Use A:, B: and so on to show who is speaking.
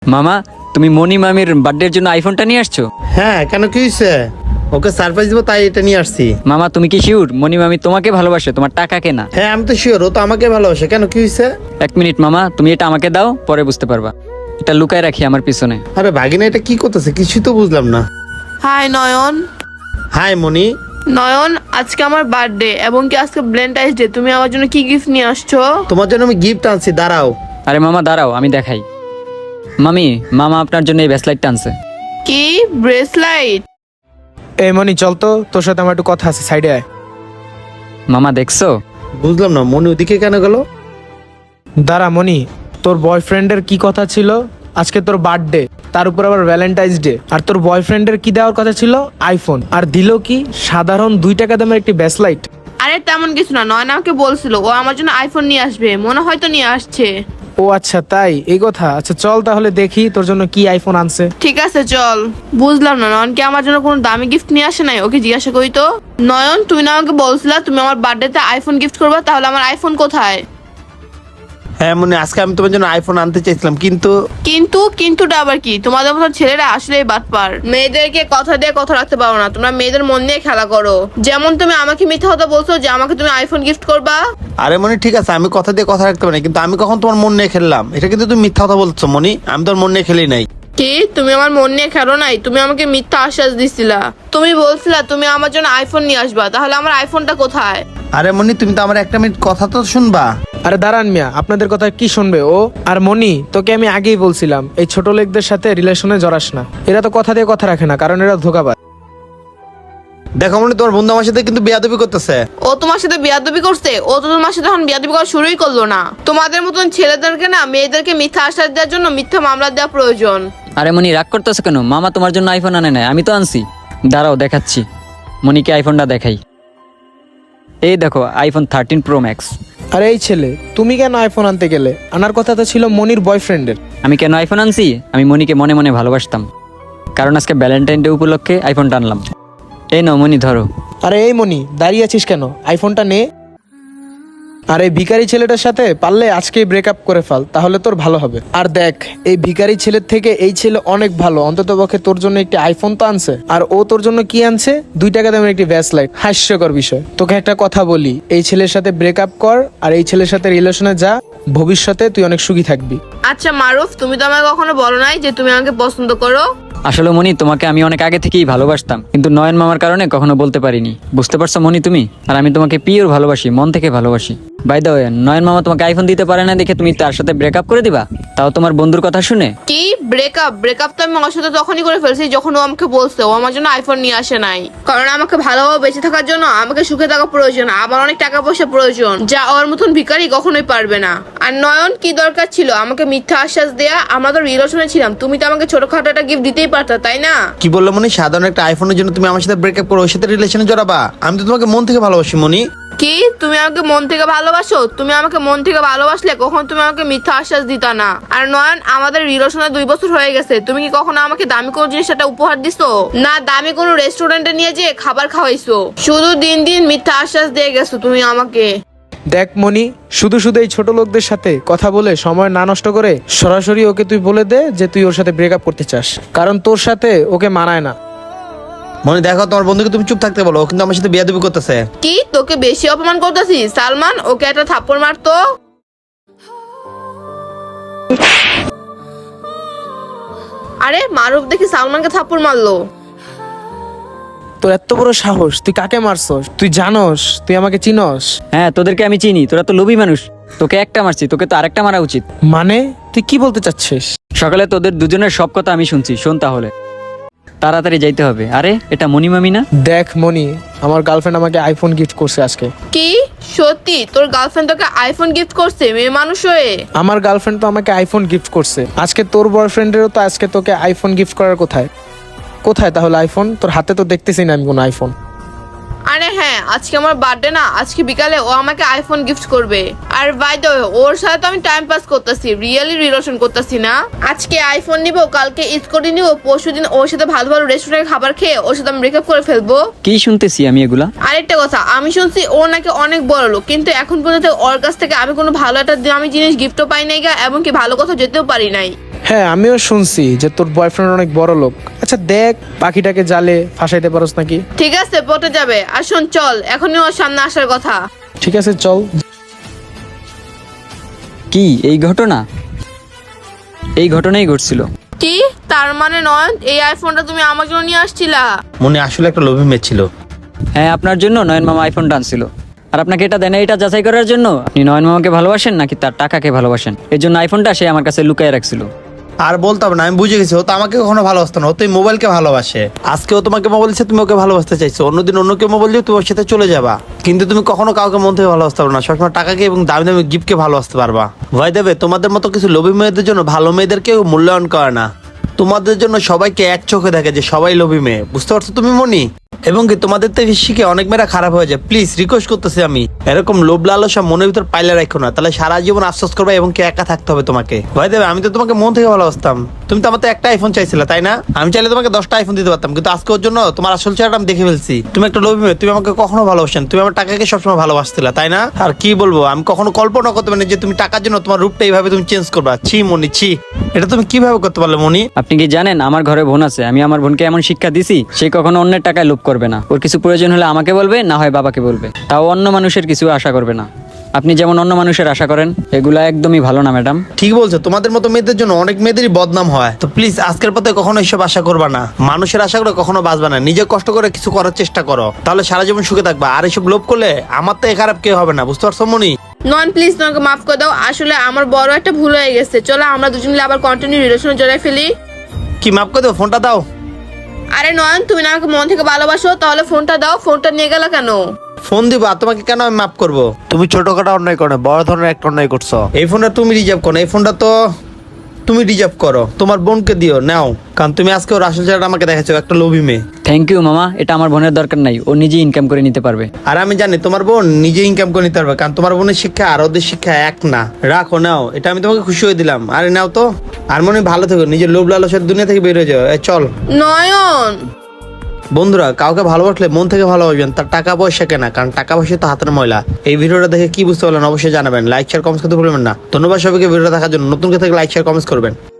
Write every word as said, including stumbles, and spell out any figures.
A: মামা, তুমি মনি মামির বার্থডের জন্য আইফোনটা নিয়ে আসছো?
B: হ্যাঁ, কেন কি হয়েছে? ওকে সারপ্রাইজ দিব তাই এটা নিয়ে আসছি।
A: মামা, তুমি কি শিওর মনি মামি তোমাকে ভালোবাসে, তোমার টাকা কেনা?
B: হ্যাঁ, আমি তো শিওর ও তো আমাকে ভালোবাসে। কেন কি হয়েছে?
A: এক মিনিট মামা, তুমি এটা আমাকে দাও, পরে বুঝতে পারবা। এটা লুকায় রাখি আমার পিছনে।
B: আরে ভাগিনা, এটা কি করতেছে কিছুই তো বুঝলাম না।
C: হাই নয়ন।
B: হাই মনি।
C: নয়ন, আজকে আমার বার্থডে এবং কি আজকে ভ্যালেন্টাইন্স ডে। তুমি আমার জন্য কি গিফট নিয়ে আসছো?
B: তোমার জন্য আমি গিফট আনছি, দাঁড়াও।
A: আরে মামা দাঁড়াও, আমি দেখাই। মামি, মামা আপনার জন্য এই ব্যাসলাইটটা আনছে।
C: কি ব্রেসলাইট?
D: এই মনি, চল তো, তোর সাথে আমার একটু কথা আছে, সাইডে আয়।
A: মামা দেখছো?
B: বুঝলাম না, মনি ওদিকে কেন গেল?
D: দাঁড়া মনি, তোর বয়ফ্রেন্ডের কি কথা ছিল? আজকে তোর বার্থডে, তার উপর আবার ভ্যালেন্টাইন্স ডে, আর তোর বয়ফ্রেন্ডের কি দেওয়ার কথা ছিল? আইফোন। আর দিল কি? সাধারণ দুই টাকা দামের একটি ব্যাসলাইট।
C: আরে তেমন কিছু না, নয়ন আমাকে বলছিল ও আমার জন্য আইফোন নিয়ে আসবে, মনে হয়তো নিয়ে আসছে।
D: ও আচ্ছা, তাই এই কথা। আচ্ছা চল তাহলে দেখি তোর জন্য কি আইফোন আনছে।
C: ঠিক আছে চল। বুঝলাম না, নয়ন কি আমার জন্য কোনো দামি গিফট নিয়ে আসে নাই? ওকে জিজ্ঞাসা করি তো। নয়ন, তুমি না আমাকে বলছিলা তুমি আমার বার্থডেতে আইফোন গিফট করবে, তাহলে আমার আইফোন কোথায়?
B: হ্যাঁ মনি, আজকে আমি তোমার জন্য আইফোন আনতে চাইছিলাম, কিন্তু
C: কিন্তু কিন্তুটা আবার কি? তোমাদের মতো ছেলেরা আসলেই বাটপার। মেয়েদেরকে কথা দিয়ে কথা রাখতে পারো না, তোমরা মেয়েদের মন নিয়ে খেলা করো। যেমন তুমি আমাকে মিথ্যা কথা বলছো যে আমাকে তুমি আইফোন গিফট করবা।
B: আরে মনি ঠিক আছে, আমি কথা দিয়ে কথা রাখতে পারি, কিন্তু আমি কখন তোমার মন নিয়ে খেললাম? এটা কিন্তু তুমি মিথ্যা কথা বলছো মনি, আমি তোর মন নিয়ে খেলি নাই।
C: কি তুমি আমার মন নিয়ে খেলো নাই? তুমি আমাকে মিথ্যা আশ্বাস দিছিলা। তুমি বলছিলা তুমি আমার জন্য আইফোন নিয়ে আসবা, তাহলে আমার আইফোনটা কোথায়?
B: আরে মনি, তুমি তো আমার একটা মিনিট কথা তো শুনবা।
D: আরে দাঁড়ান মিয়া, আপনাদের কথা কি শুনবে ও? আর মনি, তোকে আমি আগেই বলছিলাম এই ছোট লোকদের সাথে রিলেশনে জড়াস না। এরা তো কথা দিয়ে কথা রাখে না, কারণ এরা ধোঁকাবাজ।
B: দেখো মনি, তোমার বন্ধু আমার সাথে কিন্তু বেয়াদবি করতেছে।
C: ও তোমার সাথে বিয়াদবি করছে? ও তো তোমার সাথে এখন বিয়াদবি করা শুরুই করলো না। তোমাদের মতন ছেলেদেরকে না মেয়েদেরকে মিথ্যা আশ্বাস দেওয়ার জন্য মিথ্যা মামলা দেওয়া প্রয়োজন।
A: আরে মনি, রাগ করতেছো কেন? মামা তোমার জন্য আইফোন আনে নাই, আমি তো আনছি। দাঁড়াও দেখাচ্ছি, মনিকে আইফোনটা দেখাই। এই দেখো, আইফোন থার্টিন প্রো ম্যাক্স।
D: আরে এই ছেলে, তুমি কেন আইফোন আনতে গেলে? আনার কথা তো ছিল মনির বয়ফ্রেন্ডের।
A: আমি কেন আইফোন আনছি? আমি মনিকে মনে মনে ভালোবাসতাম, কারণ আজকে ভ্যালেন্টাইন ডে উপলক্ষে আইফোনটা আনলাম। এই নাও মনি, ধরো।
D: আরে এই মনি, দাঁড়িয়ে আছিস কেন? আইফোনটা নে। আর এই ভিখারি ছেলেটার সাথে পারলে আজকেই ব্রেকআপ করে ফেল, তাহলে তোর ভালো হবে। আর দেখ, এই ভিখারি ছেলের থেকে এই ছেলে অনেক ভালো, অন্তত পক্ষে তোর জন্য একটি আইফোন তো আনছে। আর ও তোর জন্য কি আনছে? দুই টাকা দামের একটি ব্যাসলাইট। হাস্যকর বিষয়। তোকে একটা কথা বলি, এই ছেলের সাথে ব্রেকআপ কর আর এই ছেলের সাথে রিলেশনে যা, ভবিষ্যতে তুই অনেক সুখী থাকবি।
C: আচ্ছা মারুফ, তুমি তো আমাকে কখনো বলো নাই যে তুমি আমাকে পছন্দ করো।
A: আসলে মনি, তোমাকে আমি অনেক আগে থেকেই ভালোবাসতাম, কিন্তু নয়ন মামার কারণে কখনো বলতে পারিনি। বুঝতে পারছো মনি তুমি? আর আমি তোমাকে পিওর ভালোবাসি, মন থেকে ভালোবাসি। বাই দ্য ওয়ে, নয়ন মামা তোমাকে আইফোন দিতে পারে না দেখে তুমি তার সাথে ব্রেকআপ করে দিবা, তাও তোমার বন্ধুর কথা শুনে?
C: কি ব্রেকআপ? ব্রেকআপ তো আমি ওর সাথে তখনই করে ফেলছি যখন ও আমাকে বলছে ও আমার জন্য আইফোন নিয়ে আসে নাই। কারণ আমাকে ভালোভাবে বেঁচে থাকার জন্য আমাকে সুখে থাকা প্রয়োজন, আমার অনেক টাকা পয়সা প্রয়োজন, যা ওর মতন ভিখারি কখনোই পারবে না। আর নয়ন, কি দরকার ছিল আমাকে মিথ্যা আশ্বাস দেয়া? আমরা তো রিলেশনে ছিলাম, তুমি তো আমাকে ছোটখাটো একটা গিফট দিতেই পারতা, তাই না?
B: কি বললো মনি? সাধারণ একটা আইফোনের জন্য তুমি আমার সাথে ব্রেকআপ করো, ওর সাথে রিলেশনে জড়াবা? আমি তো তোমাকে মন থেকে ভালোবাসি মনি।
C: কি তুমি আমাকে মন থেকে ভালোবাসো? তুমি আমাকে মন থেকে ভালোবাসলে কখন তুমি আমাকে মিথ্যা আশ্বাস দিতা না। আর নয়ন, আমাদের রিলেশনে দুই বছর হয়ে গেছে, তুমি কি কখনো আমাকে দামি কোনো জিনিস একটা উপহার দিছো? না দামি কোনো রেস্টুরেন্টে নিয়ে যেয়ে খাবার খাওয়াইছো, শুধু দিন দিন মিথ্যা আশ্বাস দিয়ে গেছো তুমি আমাকে।
D: দেখ মনি, শুধু শুধু এই ছোট লোকদের সাথে কথা বলে সময় না নষ্ট করে সরাসরি ওকে তুই বলে দে যে তুই ওর সাথে ব্রেকআপ করতে চাস, কারণ তোর সাথে ওকে মানায় না।
B: মনি দেখো, তোমার বন্ধুকে তুমি চুপ থাকতে বলো, ও কিন্তু আমার সাথে বেয়াদবি করতেছে।
C: কি তোকে বেশি অপমান করতেছি? সালমান, ওকে একটা থাপ্পড় মারতো। আরে মারুফ দেখি সালমানকে থাপ্পড় মারলো।
D: তোর এত বড় সাহস, তুই কাকে মারছস? তুই জানোস তুই আমাকে চিনস?
A: হ্যাঁ, তোদেরকে আমি চিনি, তোরা তো লোভী মানুষ। তোকে একটা মারছি, তোকে তো আরেকটা মারা উচিত।
D: মানে তুই কি বলতে চাচ্ছিস?
A: সকালে তোদের দুজনের সব কথা আমি শুনছি, শোন তাহলে। তাড়াতাড়ি যাইতে হবে। আরে এটা মনি মামি না?
D: দেখ মনি, আমার গার্লফ্রেন্ড আমাকে আইফোন গিফট করছে আজকে।
C: কি সত্যি তোর গার্লফ্রেন্ড তোকে আইফোন গিফট করছে? মেয়ে মানুষ হয়ে।
D: আমার গার্লফ্রেন্ড তো আমাকে আইফোন গিফট করছে আজকে। তোর বয়ফ্রেন্ডেরও তো আজকে তোকে আইফোন গিফট করার কোথায়? কোথায় তাহলে আইফোন? তোর হাতে তো দেখতেছি না আমি কোনো আইফোন।
C: আরে হ্যাঁ, আজকে আমার বার্থডে না, আজকে বিকালে ও আমাকে আইফোন গিফট করবে। আর বাই দ্য ওয়ে, ওর সাথে তো আমি টাইম পাস করতেছি, রিয়েলি রিলেশন করতেছি না। আজকে আইফোন নিব, কালকে স্কুটি নিব, পরশুদিন ওর সাথে ভালো ভালো রেস্টুরেন্টে খাবার খেয়ে ওর সাথে আমি ব্রেকআপ করে ফেলবো।
A: কি শুনতেছি আমি এগুলা?
C: আরেকটা কথা, আমি শুনছি ও নাকি অনেক বড় লোক, কিন্তু এখন পর্যন্ত ওর কাছ থেকে আমি কোনো ভালো একটা দামি জিনিস গিফটও পাই নাই গা, এবং কি ভালো কথা যেতেও পারি নাই।
D: হ্যাঁ আমিও শুনছি যে তোর বয়ফ্রেন্ড অনেক বড় লোক। আচ্ছা দেখ পাখিটাকে জালে ফাঁসাইতে পারোস নাকি।
C: ঠিক আছে পটে যাবে, আর শোন চল এখনই ওর সামনে আসার কথা।
D: ঠিক আছে চল।
A: কি এই ঘটনা? এই ঘটনাই ঘটছিল।
C: কি তার মানে নয়ন এই আইফোনটা তুমি আমার জন্য নিয়ে আসছিলা?
B: মনি আসলে একটা লোভী মেয়ে ছিল।
A: হ্যাঁ আপনার জন্য নয়ন মামা আইফোনটা আনছিল। আর আপনাকে এটা দেন এটা যাচাই করার জন্য আপনি নয়ন মামাকে ভালোবাসেন নাকি তার টাকাকে ভালোবাসেন। এর জন্য আইফোনটা সে আমার কাছে লুকিয়ে রাখছিল।
B: আর বলতে হবে না, আমি বুঝে গেছি ও তো আমাকে কখনো ভালোবাসতো না, ও তো এই মোবাইলকে ভালোবাসে। আজকে ও তোমাকে মোবাইল দিচ্ছে, তুমি ওকে ভালোবাসতে চাইছো, অন্যদিন অন্য কেউ মোবাইল দিয়ে তুমি ওর সাথে চলে যাবা। কিন্তু তুমি কখনো কাউকে মন থেকে ভালোবাসতে পারবে না, সবসময় টাকাকে এবং দামি দামি গিফটকে ভালোবাসতে পারবা। ভয় দেবে তোমাদের মতো কিছু লোভী মেয়েদের জন্য ভালো মেয়েদের কেউ মূল্যায়ন করে না। তোমাদের জন্য সবাইকে এক চোখে দেখে যে সবাই লোভী মেয়ে, বুঝতে পারছো তুমি মনি? এবং কি তোমাদের থেকে শিখে অনেক মেয়েরা খারাপ হয়ে যায়। প্লিজ রিকোয়েস্ট করতেছি আমি, এরকম লোভ লালসা মনের ভিতর পাইলে রাখো না, তাহলে সারা জীবন আফসোস করবে এবং কি একা থাকতে হবে তোমাকে। ভয় দেবে আমি তো তোমাকে মন থেকে ভালোবাসতাম, তুমি তো আমার তো একটা আইফোন চাইছিলে তাই না? আমি চাইলে তোমাকে দশটা আইফোন দিতে পারতাম, কিন্তু আজকে ওর জন্য তোমার আসল চেহারাটা আমি দেখে ফেলছি। তুমি একটা লোভী মেয়ে, তুমি আমাকে কখনো ভালোবাসেন, তুমি আমার টাকাকে সবসময় ভালোবাসছিলে তাই না? আর কি বলবো, আমি কখনো কল্পনা করতে পারিনি যে তুমি টাকার জন্য তোমার রূপটা এইভাবে তুমি চেঞ্জ করবা। ছি মনি ছি, এটা তুমি কিভাবে করতে পারলে মনি?
A: আপনি কি জানেন আমার ঘরে বোন আছে, আমি আমার বোনকে এমন শিক্ষা দিছি সে কখনো অন্যের টাকায় লোভ করবে না। ওর কিছু প্রয়োজন হলে আমাকে বলবে, না হয় বাবাকে বলবে, তাও অন্য মানুষের কিছু আশা করবে না। আপনি যেমন অন্য মানুষের আশা করেন, এগুলা একদমই ভালো না ম্যাডাম।
B: ঠিক বলছো, তোমাদের মতো মেয়েদের জন্য অনেক মেয়েদেরই বদনাম হয়। তো প্লিজ আজকের পথে কখনো এসব আশা করবা না, মানুষের আশা করে কখনো বাঁচবা না। নিজে কষ্ট করে কিছু করার চেষ্টা করো, তাহলে সারা জীবন সুখে থাকবা। আর এসব লোভ করলে আমার তো খারাপ কেউ হবে না, বুঝতে পারছো মনি?
C: নয়ন প্লিজ তোমাকে মাফ করে দাও, আসলে আমার বড় একটা ভুল হয়ে গেছে। চলো আমরা দুজন মিলে আবার কন্টিনিউ রিলেশনে জড়াই ফেলি।
B: কি মাফ করে দেবো? ফোনটা দাও।
C: আরে নয়ন তুমি না আমাকে মন থেকে ভালোবাসো, তাহলে ফোনটা দাও। ফোনটা নিয়ে গেল কেন?
B: ফোন দিব আর তোমাকে কেন আমি মাফ করবো? তুমি ছোটখাটো অন্যায় করো না, বড় ধরনের একটা অন্যায় করছো। এই ফোনটা তুমি রিজার্ভ করো, এই ফোনটা তো তুমি রিজার্ভ করো, তোমার বোনকে দিও নাও, কারণ তুমি আজকে ওর আসল চেহারাটা আমাকে দেখাচ্ছো, একটা লোভী মেয়ে।
A: থ্যাংক ইউ মামা, এটা আমার বোনের দরকার নাই, ও নিজেই ইনকাম করে নিতে পারবে।
B: আর আমি জানি তোমার বোন নিজে ইনকাম করে নিতে পারবে, কারণ তোমার বোনের শিক্ষা আর ওদের শিক্ষা এক না। রাখো নাও, এটা আমি তোমাকে খুশি হয়ে দিলাম। আরে নাও তো, আর মনে হয় ভালো থেকো, নিজের লোভ লালসের দুনিয়া থেকে বের হয়ে যাও। এই চল।
C: নয়ন
B: বন্ধুরা, কাউকে ভালোবাসলে মন থেকে ভালোবাসবেন, তার টাকা পয়সা কেনা, কারণ টাকা পয়সা তো হাতের ময়লা। এই ভিডিওটা দেখে কি বুঝতে পারলেন অবশ্যই জানাবেন, লাইক শেয়ার কমেন্ট করতে ভুলবেন না। ধন্যবাদ সবাইকে ভিডিওটা দেখার জন্য। নতুন কেউ থেকে লাইক শেয়ার কমেন্ট করবেন।